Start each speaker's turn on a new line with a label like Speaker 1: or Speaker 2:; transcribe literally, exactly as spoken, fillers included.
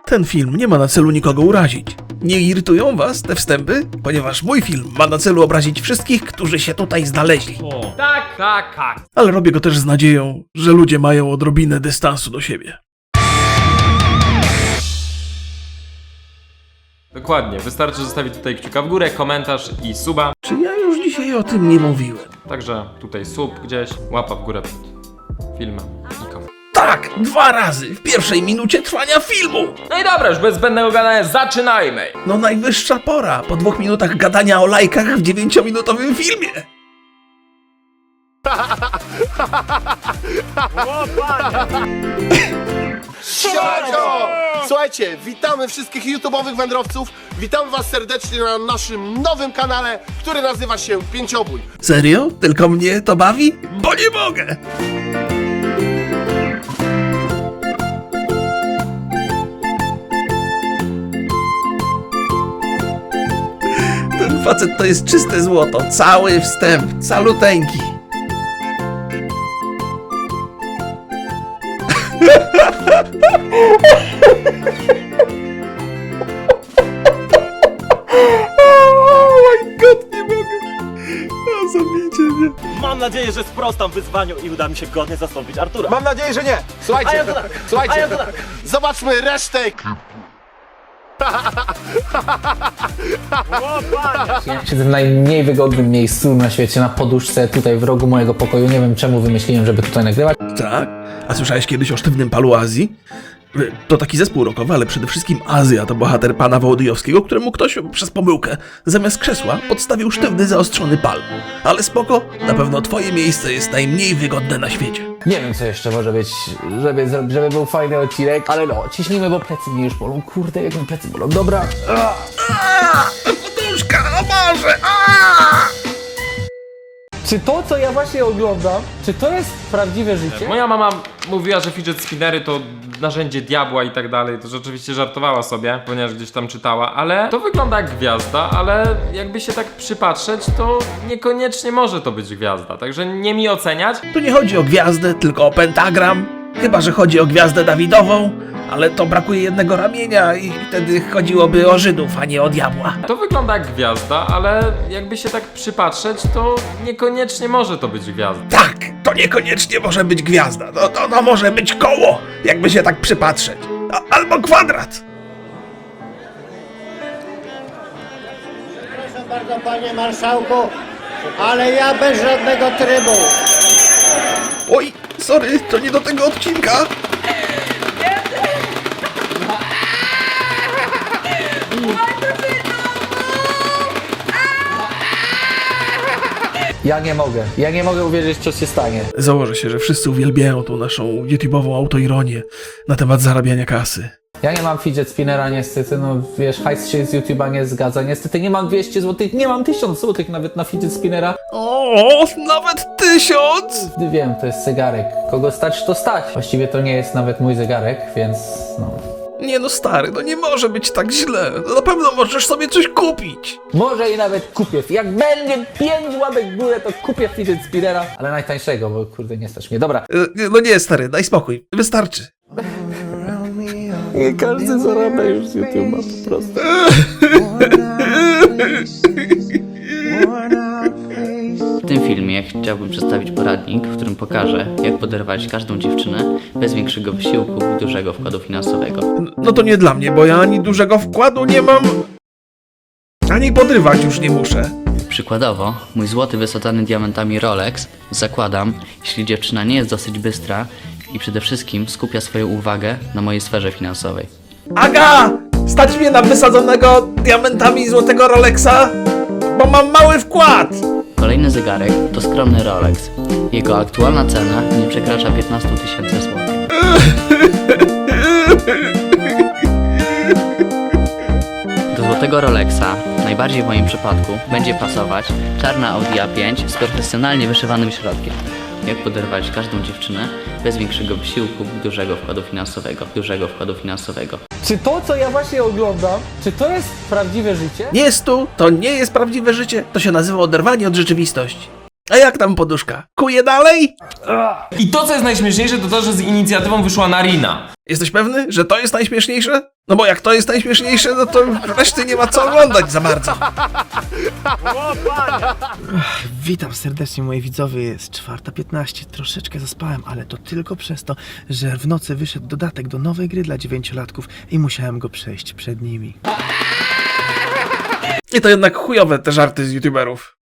Speaker 1: Ten film nie ma na celu nikogo urazić. Nie irytują was te wstępy? Ponieważ mój film ma na celu obrazić wszystkich, którzy się tutaj znaleźli.
Speaker 2: O. Tak, tak, tak.
Speaker 1: Ale robię go też z nadzieją, że ludzie mają odrobinę dystansu do siebie.
Speaker 2: Dokładnie, wystarczy zostawić tutaj kciuka w górę, komentarz i suba.
Speaker 1: Czy ja już dzisiaj o tym nie mówiłem?
Speaker 2: Także tutaj sub gdzieś, łapa w górę pod filmem. I kom-
Speaker 1: Tak, dwa razy w pierwszej minucie trwania filmu!
Speaker 2: No i dobra, już bez zbędnego gadania, zaczynajmy!
Speaker 1: No najwyższa pora, po dwóch minutach gadania o lajkach w dziewięciominutowym filmie.
Speaker 3: Siemanko! Słuchajcie, witamy wszystkich YouTube'owych wędrowców. Witamy was serdecznie na naszym nowym kanale, który nazywa się Pięciobój.
Speaker 1: Serio? Tylko mnie to bawi? Bo nie mogę! Ten facet to jest czyste złoto, cały wstęp, caluteńki. Oh my god, nie mogę. A, zabijcie mnie.
Speaker 4: Mam nadzieję, że sprostam wyzwaniu i uda mi się godnie zastąpić Artura.
Speaker 3: Mam nadzieję, że nie. Słuchajcie,
Speaker 4: A ja to tak.
Speaker 3: słuchajcie,
Speaker 4: A ja to tak.
Speaker 3: zobaczmy resztę.
Speaker 5: Ja siedzę w najmniej wygodnym miejscu na świecie, na poduszce, tutaj w rogu mojego pokoju. Nie wiem czemu wymyśliłem, żeby tutaj nagrywać.
Speaker 1: Tak? A słyszałeś kiedyś o Sztywnym Palu Azji? To taki zespół rockowy, ale przede wszystkim Azja to bohater pana Wołodyjowskiego, któremu ktoś przez pomyłkę zamiast krzesła podstawił sztywny, zaostrzony pal. Ale spoko, na pewno twoje miejsce jest najmniej wygodne na świecie.
Speaker 5: Nie wiem co jeszcze może być, żeby, zro- żeby był fajny odcinek, ale no, ciśnijmy, bo plecy mnie już bolą. Kurde, jak mi plecy bolą. Dobra.
Speaker 1: Poduszka, o Boże! Aaaa!
Speaker 5: Czy to, co ja właśnie oglądam, czy to jest prawdziwe życie?
Speaker 2: Moja mama mówiła, że fidget spinnery to narzędzie diabła i tak dalej, to rzeczywiście żartowała sobie, ponieważ gdzieś tam czytała, ale to wygląda jak gwiazda, ale jakby się tak przypatrzeć, to niekoniecznie może to być gwiazda, także nie mi oceniać.
Speaker 1: Tu nie chodzi o gwiazdę, tylko o pentagram. Chyba że chodzi o gwiazdę Dawidową, ale to brakuje jednego ramienia i wtedy chodziłoby o Żydów, a nie o diabła.
Speaker 2: To wygląda jak gwiazda, ale jakby się tak przypatrzeć, to niekoniecznie może to być gwiazda.
Speaker 1: Tak, to niekoniecznie może być gwiazda. No, to, to może być koło, jakby się tak przypatrzeć. A, albo kwadrat.
Speaker 6: Proszę bardzo, panie marszałku, ale ja bez żadnego trybu.
Speaker 1: Oj, sorry, to nie do tego odcinka.
Speaker 5: Ja nie mogę. Ja nie mogę uwierzyć, co się stanie.
Speaker 1: Założę się, że wszyscy uwielbiają tą naszą YouTube'ową autoironię na temat zarabiania kasy.
Speaker 5: Ja nie mam fidget spinnera niestety, no wiesz, hajs się z YouTube'a nie zgadza. Niestety nie mam dwieście złotych, nie mam tysiąc złotych nawet na fidget spinnera.
Speaker 1: O, nawet tysiąc!
Speaker 5: Wiem, to jest zegarek. Kogo stać, to stać. Właściwie to nie jest nawet mój zegarek, więc no...
Speaker 1: Nie no stary, no nie może być tak źle. No na pewno możesz sobie coś kupić.
Speaker 5: Może i nawet kupię. Jak będzie pięć łapek w górę, to kupię fidget spinnera. Ale najtańszego, bo kurde nie stać mnie. Dobra.
Speaker 1: E, No nie stary, daj spokój, wystarczy.
Speaker 5: Nie każdy zarabia już z YouTube'a po prostu.
Speaker 7: W tym filmie chciałbym przedstawić poradnik, w którym pokażę, jak poderwać każdą dziewczynę bez większego wysiłku i dużego wkładu finansowego.
Speaker 1: No to nie dla mnie, bo ja ani dużego wkładu nie mam, ani podrywać już nie muszę.
Speaker 7: Przykładowo, mój złoty wysadzany diamentami Rolex zakładam, jeśli dziewczyna nie jest dosyć bystra i przede wszystkim skupia swoją uwagę na mojej sferze finansowej.
Speaker 1: Aga! Stać mnie na wysadzonego diamentami złotego Rolexa, bo mam mały wkład!
Speaker 7: Kolejny zegarek to skromny Rolex. Jego aktualna cena nie przekracza piętnaście tysięcy złotych. Do złotego Rolexa, najbardziej w moim przypadku, będzie pasować czarna Audi A pięć z profesjonalnie wyszywanym środkiem. Jak poderwać każdą dziewczynę bez większego wysiłku i dużego wkładu finansowego. Dużego wkładu finansowego.
Speaker 5: Czy to, co ja właśnie oglądam, czy to jest prawdziwe życie?
Speaker 1: Nie jest tu, to nie jest prawdziwe życie, to się nazywa oderwanie od rzeczywistości. A jak tam poduszka? Kuje dalej?
Speaker 2: I to, co jest najśmieszniejsze, to to, że z inicjatywą wyszła Narina.
Speaker 1: Jesteś pewny, że to jest najśmieszniejsze? No bo jak to jest najśmieszniejsze, no to reszty nie ma co oglądać za bardzo.
Speaker 8: Witam serdecznie moi widzowie, jest czwarta piętnaście, troszeczkę zaspałem, ale to tylko przez to, że w nocy wyszedł dodatek do nowej gry dla dziewięciolatków i musiałem go przejść przed nimi.
Speaker 1: I to jednak chujowe te żarty z youtuberów.